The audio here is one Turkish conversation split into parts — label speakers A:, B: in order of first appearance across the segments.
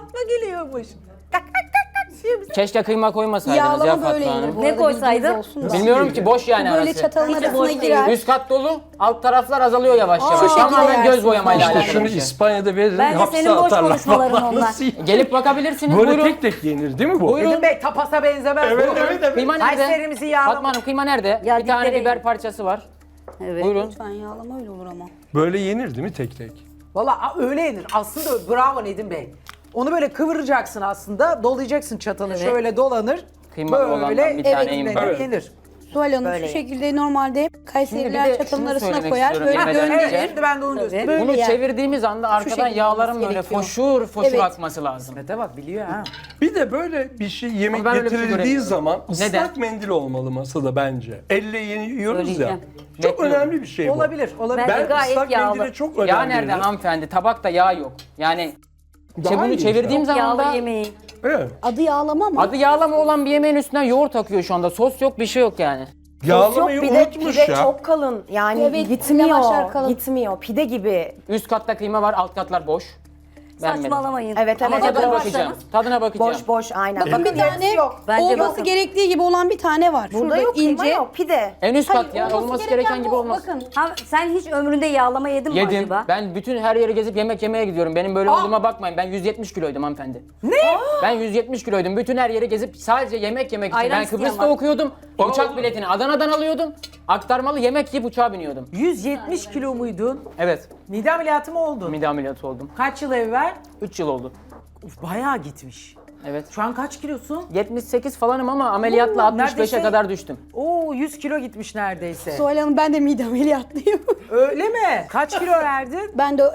A: Fatma geliyormuş. Tak tak tak tak diye bize-
B: Keşke kıyma koymasaydınız ya
C: Yağlama
B: Fatma
C: böyle yenir.
B: Hanım.
C: Bu
D: Ne
C: arada
D: koysaydı?
C: bilginiz olsun da.
B: Bilmiyorum ki, boş yani
C: Böyle
B: arası.
C: çatalın
D: Hiç
C: arasına
D: boş değil.
C: girer.
B: Üst kat dolu, alt taraflar azalıyor yavaş yavaş.
C: şekilde
B: Tamamen
C: yersin.
B: göz boyamayla
C: İşte
B: alakalı
E: Şunu
B: bir şey.
E: İspanya'da verin,
D: Bence
E: hapse
D: senin boş
E: atarlar.
D: konuşmaların
E: Vallahi
D: onlar.
E: nasıl iyi?
B: Gelip bakabilirsiniz,
E: Böyle
B: buyurun.
E: tek tek yenir değil mi bu?
B: Buyurun.
A: Nedim Bey tapasa benzemez.
E: Evet,
A: Buyurun.
E: evet, evet.
B: Kıyma nerede?
A: Kayseri'mizi yağlama.
B: Fatma Hanım, kıyma nerede?
D: Ya
B: Bir tane
D: dipleri-
B: biber parçası var.
D: Evet.
B: Buyurun.
C: Lütfen yağlama öyle olur ama.
E: Böyle yenir değil mi tek tek?
A: Valla öyle yenir. Aslında bravo Nedim Bey. Onu böyle kıvıracaksın aslında. Dolayacaksın çatalı.
D: Evet.
A: Şöyle dolanır.
B: Kıymalı olandan bir tane
A: evet,
B: yiyin
E: bari.
A: yenir.
C: Suhal Hanım
D: Böyle.
C: şu şekilde normalde hep
B: Şimdi
C: Kayseriler
B: bir de
C: çatalın
B: şunu
C: arasına
B: söylemek
C: koyar.
B: istiyorum
C: Böyle
B: yemeden
A: Evet,
C: döndürür.
A: şimdi ben de onu göstereyim.
C: Böyle
B: Bunu
C: yer.
B: çevirdiğimiz anda arkadan
C: şekilde
B: yağların
C: olması
B: böyle
C: gerekiyor.
B: foşur foşur
C: Evet.
B: akması lazım.
A: Mete bak biliyor ha.
E: Bir de böyle bir şey yemek
B: Ama ben öyle bir şey
E: getirildiği
B: göremiyorum.
E: zaman ıslak
B: Neden?
E: mendil olmalı masada bence. Elle yiyoruz ya.
D: Söyleyeceğim.
E: Çok
B: Bekliyorum.
E: önemli bir şey bu.
A: Olabilir, olabilir.
D: Ben-
E: Ben
D: Gayet
E: ıslak
D: yağlı.
E: mendile çok önem
B: Yağ nerede
E: veririm.
B: hanımefendi? Tabakta yağ yok. Yani
E: Daha
B: bunu
E: iyi
B: çevirdiğim
E: işte.
B: zaman da
D: Yağlı yemeği.
E: Evet.
C: Adı yağlama ama.
B: adı yağlama olan bir yemeğin üstünden yoğurt akıyor şu anda. Sos yok, bir şey yok yani.
E: Yağlamayı
F: Yok,
E: unutmuş
F: pide
E: ya.
F: çok kalın. Yani
C: Evet,
F: gitmiyor.
C: lavaşlar kalın.
F: Gitmiyor. Pide gibi.
B: Üst katta kıyma var, alt katlar boş. Beğenmedim.
D: Saçmalamayın.
F: Evet,
B: Ama
F: evet.
B: tadına
F: evet.
B: bakacağım. Tadına bakacağım.
F: Boş boş aynen.
C: Bakın bir tane
D: Bence
C: olması
D: bakın.
C: gerektiği gibi olan bir tane var.
F: Burada
C: Şurada
F: yok, kıyma
C: ince.
F: yok, pide.
B: En üst
C: Hayır,
B: kat ya.
C: olması
B: Olması
C: gereken
B: gereken gibi
C: bu.
B: olmaz.
C: Bakın.
D: Ha, sen hiç ömründe yağlama yedin mi
B: Yedim.
D: acaba?
B: Ben bütün her yere gezip yemek yemeye gidiyorum. Benim böyle olduğuma bakmayın. Ben 170 kiloydum hanımefendi.
A: Ne?
B: Ben 170 kiloydum. Bütün her yere gezip sadece yemek yemek için.
D: Ayran
B: Ben
D: isteyen
B: Kıbrıs'ta
D: var.
B: okuyordum. Uçak biletini Adana'dan alıyordum. Aktarmalı yemek yiyip uçağa biniyordum.
A: 170 kilo muydun?
B: Evet.
A: Mide ameliyatı mı oldun?
B: Mide ameliyatı oldum.
A: Kaç yıl evvel?
B: 3 yıl oldu.
A: Uf, bayağı gitmiş.
B: Evet.
A: Şu an kaç kilosun?
B: 78 falanım ama ameliyatla
A: Oo,
B: 65'e
A: neredeyse-
B: kadar düştüm.
A: Oo 100 kilo gitmiş neredeyse.
C: Suhal Hanım ben de mide ameliyatlıyım.
A: Öyle mi? Kaç kilo verdin?
C: Ben de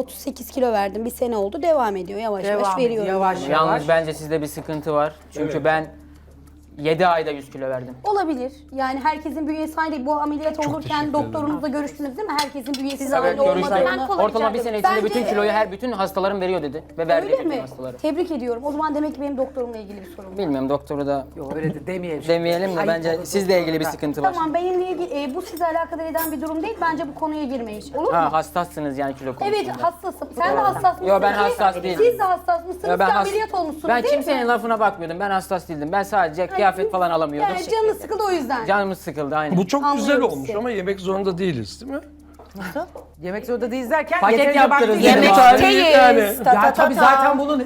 C: 38 kilo verdim. Bir sene oldu. Devam ediyor. Yavaş yavaş
A: Devam
C: veriyorum.
A: ediyor, yavaş
C: yani.
A: yavaş.
B: Yalnız bence sizde bir sıkıntı var. Çünkü ben 7 ayda 100 kilo verdim.
C: Olabilir. Yani herkesin bünyesi aynı değil. Bu ameliyat olurken
E: teşekkür
C: doktorunuzla görüştünüz değil mi? Herkesin bünyesi
B: Evet,
C: aynı
B: görüştüm.
C: olmadığını.
B: Ortalama bir sene içinde
C: Bence-
B: bütün kiloyu bütün hastalarım veriyor dedi. Ve verdi
C: Öyle
B: bütün
C: mi?
B: hastaları.
C: Tebrik ediyorum. O zaman demek ki benim doktorumla ilgili bir sorun var.
B: Bilmiyorum, doktoru da
A: Yok öyle de demeyelim.
B: demeyelim de
A: Ayıp
B: bence
A: olur.
B: sizle ilgili bir sıkıntı var.
C: Tamam benimle ilgili bu sizi alakadar eden bir durum değil. Bence bu konuya girmeyiz. Olur mu?
B: Ha, hassassınız yani kilo konusunda.
C: Evet hassasım. Sen de hassas mısın?
B: Yo, ben
C: ki?
B: hassas değilim.
C: Siz de hassas mısınız?
B: Ya ben
C: Siz
B: has-
C: ameliyat olmuşsunuz
B: Ben
C: değil
B: kimsenin
C: mi?
B: lafına bakmıyordum. Ben hassas değildim. Ben sadece kıyafet falan alamıyordum.
C: Yani canınız sıkıldı o yüzden.
B: Canımız sıkıldı aynen.
E: Bu çok güzel
C: Anlıyorum
E: olmuş
C: sizi.
E: ama yemek zorunda değiliz değil mi?
A: Yemek zorunda değiliz derken
B: Paket
A: yeterince
B: yaptırırız
A: vakti-
B: yani.
E: Bir
B: Yemek-
E: tane yani.
A: Ya tabii zaten bunun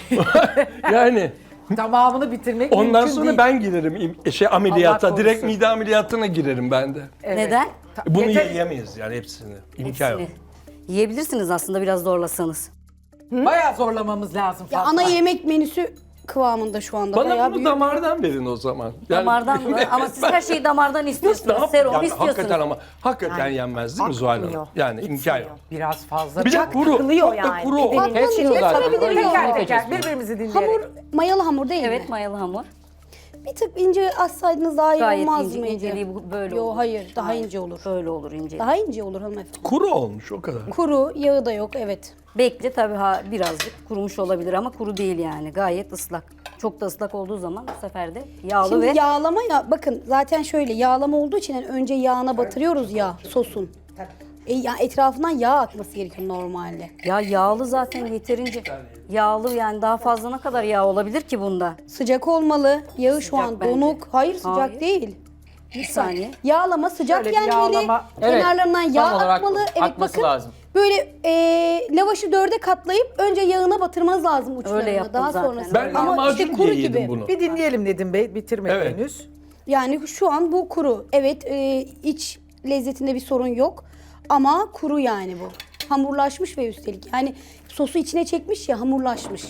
E: Yani
A: tamamını bitirmek
E: ondan
A: mümkün
E: sonra
A: değil.
E: ben girerim ameliyata.
A: Allah
E: Direkt
A: korusun.
E: mide ameliyatına girerim ben de.
A: Evet.
D: Neden?
E: Bunu
A: Yeter-
E: yiyemeyiz yani hepsini. İmkan yok.
D: Yiyebilirsiniz aslında biraz zorlasanız.
A: Bayağı zorlamamız lazım
C: Ya
A: Fatma.
C: ana yemek menüsü kıvamında şu anda.
E: Bana
C: Bayağı
E: bunu
C: büyük.
E: damardan verin o zaman. Yani-
D: Damardan mı? Ama siz her şeyi damardan
E: Ne
D: istiyorsunuz.
E: yapayım?
D: Serum
E: Yani
D: istiyorsunuz.
E: hakikaten ama hakikaten yenmez değil mi Zuhal Hanım?
F: akmıyor,
E: Yani imkan yok.
A: Biraz fazla.
E: Bir de kuru.
F: takılıyor
E: Çok da
F: yani.
E: kuru o.
F: Pidenin
B: Kesmiyor
C: içine
B: zaten.
C: sarabilir
B: Öyle
C: miyim?
A: Teker
B: kesinlikle
A: teker
B: kesmiyor.
A: birbirimizi dinleyerek.
C: Hamur, mayalı hamur değil mi?
D: Evet, mayalı hamur.
C: Bir tık ince açsaydınız daha iyi
D: Gayet
C: olmaz
D: ince,
C: mıydı?
D: inceliği böyle
C: Yo
D: olur.
C: hayır daha ince olur.
D: Böyle olur ince.
C: Daha ince olur hanımefendi.
E: Kuru olmuş o kadar.
C: Kuru, yağı da yok evet.
D: Bekle tabii birazcık kurumuş olabilir ama kuru değil yani. Gayet ıslak. Çok da ıslak olduğu zaman bu sefer de yağlı
C: Şimdi
D: ve
C: yağlama ya bakın zaten şöyle yağlama olduğu için yani önce yağına batırıyoruz ya sosun. Ya etrafından yağ akması gerekiyor normalde.
D: ya yağlı zaten yeterince. Yağlı yani daha fazla ne kadar yağ olabilir ki bunda?
C: Sıcak olmalı. Yağı şu an
D: bence.
C: donuk. Hayır sıcak
D: Hayır.
C: değil.
D: Bir saniye.
C: Yağlama sıcak
A: Şöyle bir
C: gelmeli.
A: yağlama.
B: Evet,
C: Kenarlarından
B: tam
C: yağ
B: olarak
C: akmalı. Evet
B: akması
C: bakın.
B: lazım.
C: Böyle lavaşı dörde katlayıp önce yağına batırmanız lazım uçlarına.
D: yaptım
C: Daha
D: zaten.
C: sonrasında.
E: Ben
C: Ama
E: lahmacun
C: işte kuru
E: diye yedim
C: gibi.
E: bunu.
A: Bir dinleyelim Nedim Bey bitirmedi
E: Evet.
A: henüz.
C: Yani şu an bu kuru. Evet iç lezzetinde bir sorun yok. Ama kuru yani bu. Hamurlaşmış ve üstelik. Yani sosu içine çekmiş ya hamurlaşmış.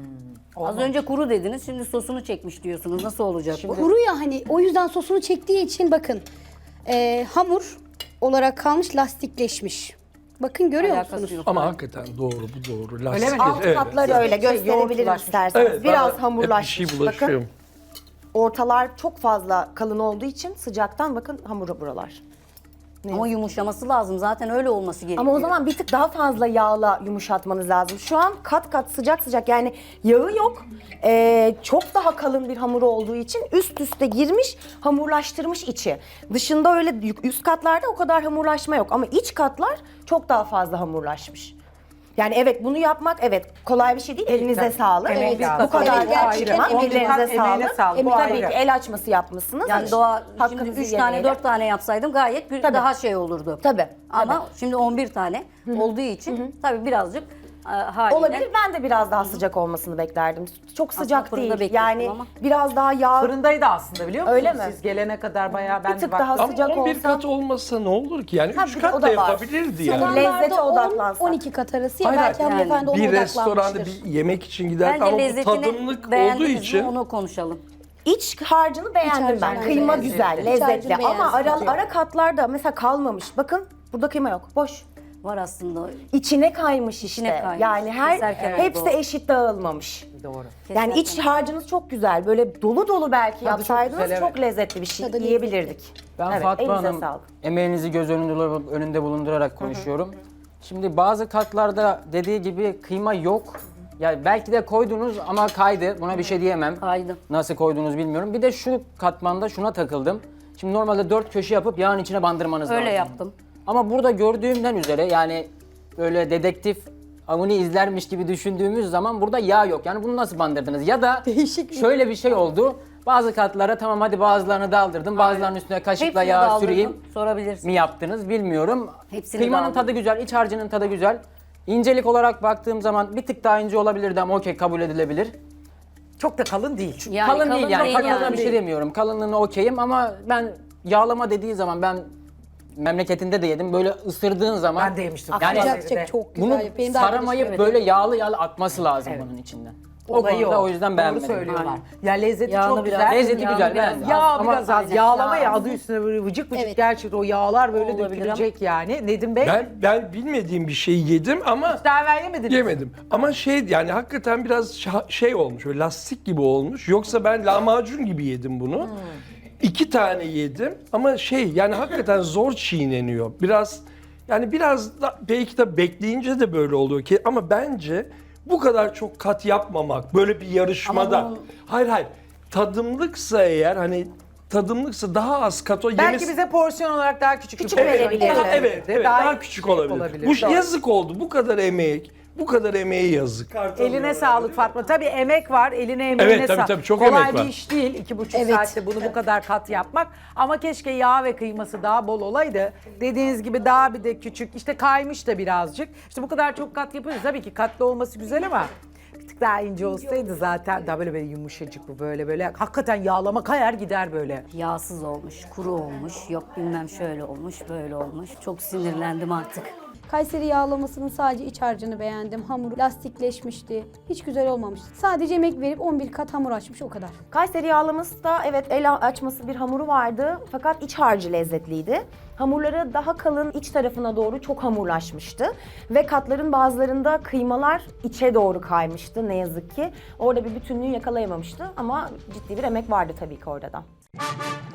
D: Az önce kuru dediniz, şimdi sosunu çekmiş diyorsunuz. Nasıl olacak bu?
C: Kuru ya hani o yüzden sosunu çektiği için bakın hamur olarak kalmış lastikleşmiş. Bakın görüyor
D: Alakası
C: musunuz?
D: yok.
E: Ama hakikaten doğru bu doğru. Lastik
A: Öyle mi?
E: et,
F: Alt
E: evet.
F: katları öyle gösterebilirim
A: yoğurtlaşmış.
F: isterseniz.
E: Evet,
F: Biraz
E: bana
F: hamurlaşmış.
E: hep bir şey bulaşıyor.
F: Bakın ortalar çok fazla kalın olduğu için sıcaktan bakın hamura buralar.
D: Ama yumuşaması lazım. Zaten öyle olması gerekiyor.
F: Ama o zaman bir tık daha fazla yağla yumuşatmanız lazım. Şu an kat kat sıcak sıcak yani yağı yok. Çok daha kalın bir hamur olduğu için üst üste girmiş, hamurlaştırmış içi. Dışında öyle üst katlarda o kadar hamurlaşma yok ama iç katlar çok daha fazla hamurlaşmış. Yani evet bunu yapmak evet kolay bir şey değil. Elinize sağlık.
A: Emek lazım.
F: Bu kadar
C: Evet, gerçekten
F: yapmak
C: emek
F: ellerinize
A: lazım. Emeğine
F: sağlık.
A: sağlık, bu
F: Tabii
A: ayrı.
F: ki el açması yapmışsınız.
D: Yani Doğa şimdi
F: Hakkınızı
D: 3 tane
F: yemeyelim.
D: 4 tane yapsaydım gayet
F: Tabii.
D: daha şey olurdu.
F: Tabii.
D: Ama şimdi 11 tane olduğu için tabii birazcık haliyle
F: Olabilir. Ben de biraz daha sıcak olmasını beklerdim. Çok sıcak
D: fırında
F: değil.
D: bekliyordum
F: Yani
D: ama.
F: biraz daha yağ
A: Fırındaydı aslında biliyor musunuz?
F: Öyle mi?
A: Siz gelene kadar bayağı ben
F: Bir tık
A: de
F: daha
A: baktım.
E: Ama
F: sıcak
E: 11
F: olsa-
E: kat olmasa ne olur ki? Yani
F: Ha,
E: 3
F: bir de o
E: kat
F: da
E: da
F: var.
E: yapabilirdi yani.
F: Sanırım lezzete
C: 10,
F: odaklansak.
C: 12 kat arası ya
E: Hayır,
C: belki
E: hayır.
C: hanımefendi ona
E: Bir
C: odaklanmıştır.
E: restoranda bir yemek için gider
D: bence
E: ama bu
D: lezzetini
E: tadımlık olduğu
D: beğendiniz mi
E: için
D: onu konuşalım.
F: İç harcını beğendim
C: harcını
F: ben.
C: beğendim.
F: Kıyma
C: Lezzetli.
F: güzel,
C: İç
F: lezzetli.
C: harcını
F: Ama
C: beğendim.
F: ara katlarda mesela kalmamış. Bakın burada kıyma yok. Boş.
D: Var aslında.
F: İçine kaymış işte.
D: İçine kaymış.
F: Yani
D: Keserken
F: hepsi
D: oldu.
F: eşit dağılmamış.
A: Doğru.
F: Yani iç harcınız çok güzel. Böyle dolu dolu belki
A: Tadı çok
F: yapsaydınız
A: güzel,
F: çok,
A: evet.
F: lezzetli bir şey
C: Tadı
F: yiyebilirdik.
B: Ben
F: Evet,
B: Fatma
F: elinize
B: Hanım
F: sağlık.
B: emeğinizi göz önünde bulundurarak konuşuyorum. Şimdi bazı katlarda dediği gibi kıyma yok. Yani belki de koydunuz ama kaydı. Buna bir şey diyemem.
D: Kaydı.
B: Nasıl koyduğunuzu bilmiyorum. Bir de şu katmanda şuna takıldım. Şimdi normalde 4 köşe yapıp yağın içine bandırmanız lazım.
D: Öyle yaptım.
B: Ama burada gördüğümden üzere yani böyle dedektif Avni izlermiş gibi düşündüğümüz zaman burada yağ yok. Yani bunu nasıl bandırdınız? Ya da şöyle bir şey oldu. Bazı katlara tamam hadi bazılarını daldırdım. Bazılarının üstüne kaşıkla
D: Hepsini
B: yağ
D: daldırdım.
B: süreyim
D: Sorabilirsin.
B: mi yaptınız bilmiyorum.
D: Hepsini
B: Kıymanın
D: daldırdım.
B: tadı güzel, iç harcının tadı güzel. İncelik olarak baktığım zaman bir tık daha ince olabilirdi ama okey kabul edilebilir.
A: Çok da kalın değil.
D: Yani
B: kalın değil yani. Kalınlığına
D: yani.
B: bir şey demiyorum. Kalınlığına okeyim ama ben yağlama dediği zaman ben memleketinde de yedim. Böyle ısırdığın zaman
A: Ben de yemiştim.
B: Yani
C: Gerçekten çok güzel.
B: bunu
C: Benim de
B: saramayıp
C: arkadaşım
B: böyle yağlı yağlı akması lazım bunun içinden. O
A: Olayı
B: konuda o yüzden
A: Doğru
B: beğenmedim.
A: söylüyorlar.
D: Aynen.
A: Ya lezzeti
D: Yağını
A: çok
D: biraz-
A: güzel.
B: Lezzeti
D: Yağını
B: güzel,
D: biraz
B: beğendim.
A: Yağ
B: Ama
A: biraz az.
D: aynen.
A: Yağlama
D: Yağ.
A: ya adı üstüne böyle vıcık vıcık
C: Evet.
A: gerçekten o yağlar böyle
D: Olabilir
A: dökülecek yani. Nedim Bey
E: ben bilmediğim bir şeyi yedim ama
A: daha evvel yemediniz.
E: yemedim. Ama şey yani hakikaten biraz şey olmuş, böyle lastik gibi olmuş. Yoksa ben lahmacun gibi yedim bunu. 2 tane yedim ama şey yani hakikaten zor çiğneniyor. Biraz da belki de bekleyince de böyle oluyor ki ama bence bu kadar çok kat yapmamak böyle bir yarışmada.
D: Ama
E: Hayır. Tadımlıksa eğer tadımlıksa daha az kat o
A: Belki bize porsiyon olarak daha küçük
F: Küçük
A: bir porsiyon
F: verebilirdi.
A: getirebilirdi.
E: Evet, daha küçük olabilir. Bu
A: Doğru.
E: yazık oldu. Bu kadar emeğe yazık.
A: Eline sağlık Fatma. Tabii emek var. Eline emeğine
E: Evet, tabii,
A: sağlık.
E: tabii, çok
A: Kolay
E: emek
A: bir
E: var.
A: iş değil. 2,5
C: Evet.
A: saatte bunu bu kadar kat yapmak. Ama keşke yağ ve kıyması daha bol olaydı. Dediğiniz gibi daha bir de küçük. İşte kaymış da birazcık. İşte bu kadar çok kat yapıyoruz. Tabii ki katlı olması güzel ama bir tık daha ince olsaydı zaten daha böyle yumuşacık bu böyle. Hakikaten yağlama kayar gider böyle.
D: Yağsız olmuş, kuru olmuş, yok bilmem şöyle olmuş, böyle olmuş. Çok sinirlendim artık.
C: Kayseri yağlamasının sadece iç harcını beğendim. Hamur lastikleşmişti. Hiç güzel olmamıştı. Sadece emek verip 11 kat hamur açmış o kadar.
F: Kayseri yağlaması da evet el açması bir hamuru vardı fakat iç harcı lezzetliydi. Hamurları daha kalın iç tarafına doğru çok hamurlaşmıştı. ve katların bazılarında kıymalar içe doğru kaymıştı ne yazık ki. Orada bir bütünlüğü yakalayamamıştı ama ciddi bir emek vardı tabii ki orada da.